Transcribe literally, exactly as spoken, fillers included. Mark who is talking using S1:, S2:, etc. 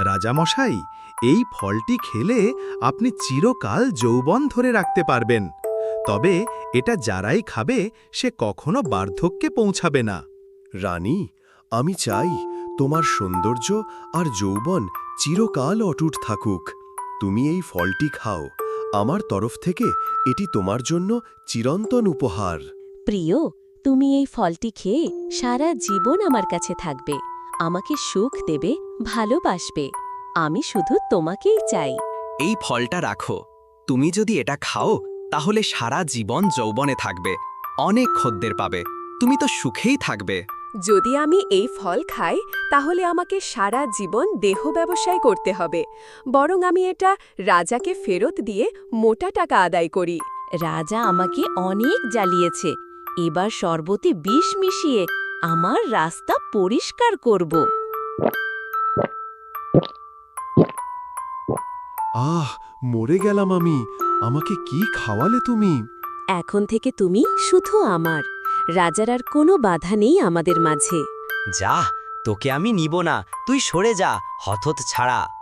S1: রাজামশাই, এই ফলটি খেলে আপনি চিরকাল যৌবন ধরে রাখতে পারবেন। তবে এটা যারাই খাবে সে কখনো বার্ধক্যে পৌঁছাবে না।
S2: রানী, আমি চাই তোমার সৌন্দর্য আর যৌবন চিরকাল অটুট থাকুক। তুমি এই ফলটি খাও, আমার তরফ থেকে এটি তোমার জন্য চিরন্তন উপহার।
S3: প্রিয়, তুমি এই ফলটি খেয়ে সারা জীবন আমার কাছে থাকবে, আমাকে সুখ দেবে, ভালোবাসবে। আমি শুধু তোমাকেই চাই।
S4: এই ফলটা রাখো, তুমি যদি এটা খাও তাহলে সারা জীবন যৌবনে থাকবে, অনেক খদ্দের পাবে, তুমি তো সুখেই থাকবে।
S5: যদি আমি এই ফল খাই তাহলে আমাকে সারা জীবন দেহ ব্যবসায় করতে হবে, বরং আমি এটা রাজাকে ফেরত দিয়ে মোটা টাকা আদায় করি।
S3: রাজা আমাকে অনেক জ্বালিয়েছে, এবার শরবতে বিষ মিশিয়ে আমার রাস্তা পরিষ্কার করব।
S2: আহ, মরে গেলাম আমি। আমাকে কি খাওয়ালে তুমি?
S3: এখন থেকে তুমি শুধু আমার, রাজার আর কোনো বাধা নেই আমাদের মাঝে।
S6: যা, তোকে আমি নিব না, তুই সরে যা, হতত ছাড়া।